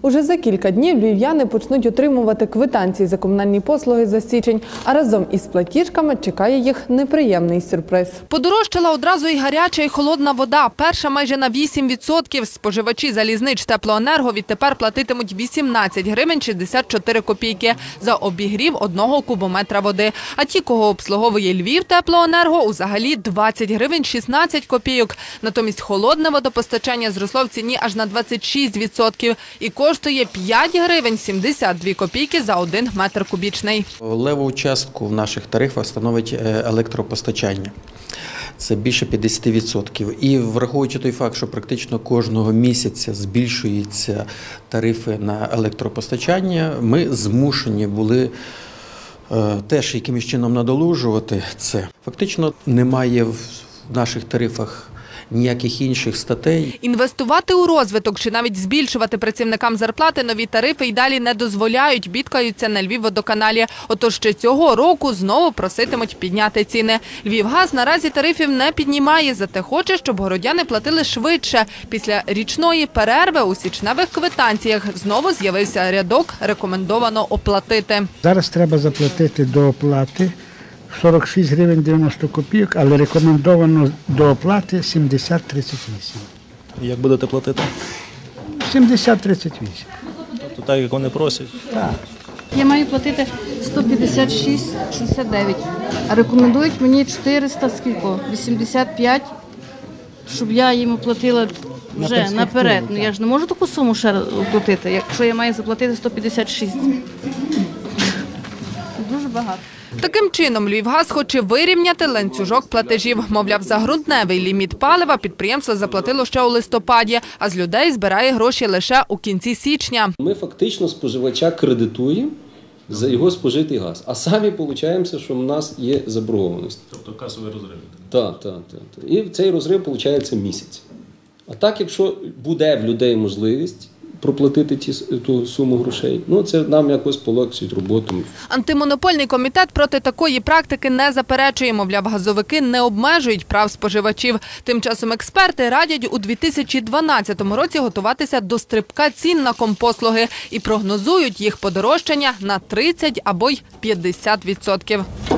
Уже за кілька днів львів'яни почнуть отримувати квитанції за комунальні послуги за січень, а разом із платіжками чекає їх неприємний сюрприз. Подорожчала одразу і гаряча, і холодна вода. Перша майже на 8%. Споживачі залізнич теплоенерго відтепер платитимуть 18 гривень 64 копійки за обігрів 1 кубометра води. А ті, кого обслуговує Львів теплоенерго, взагалі 20 гривень 16 копійок. Натомість холодне водопостачання зросло в ціні аж на 26% і коштує 5 гривень 72 копійки за 1 метр кубічний. Левову частку в наших тарифах становить електропостачання. Це більше 50%. І враховуючи той факт, що практично кожного місяця збільшуються тарифи на електропостачання, ми змушені були теж якимось чином надолужувати це. Фактично немає в наших тарифах ніяких інших статей. Інвестувати у розвиток чи навіть збільшувати працівникам зарплати нові тарифи й далі не дозволяють, бідкаються на Львівводоканалі. Отож ще цього року знову проситимуть підняти ціни. Львівгаз наразі тарифів не піднімає, зате хоче, щоб городяни платили швидше. Після річної перерви у січневих квитанціях знову з'явився рядок «Рекомендовано оплатити». Зараз треба заплатити до оплати 46 гривень 90 копійок, але рекомендовано до оплати 70,38. Як будете платити? 70,38. Тобто так, як вони просять? Так. Я маю платити 156,69, а рекомендують мені 400, скільки? 85, щоб я їм оплатила вже наперед. Ну, я ж не можу таку суму ще оплатити, якщо я маю заплатити 156. Дуже багато. Таким чином, Львівгаз хоче вирівняти ланцюжок платежів. Мовляв, за грудневий ліміт палива підприємство заплатило ще у листопаді, а з людей збирає гроші лише у кінці січня. Ми фактично споживача кредитуємо за його спожитий газ, а самі виходить, що в нас є заборгованість. Тобто касовий розрив. Так. І цей розрив виходить місяць. А так, якщо буде в людей можливість проплатити ту суму грошей, це нам якось полегшить роботу. Антимонопольний комітет проти такої практики не заперечує. Мовляв, газовики не обмежують прав споживачів. Тим часом експерти радять у 2012 році готуватися до стрибка цін на компослуги і прогнозують їх подорожчання на 30 або й 50%.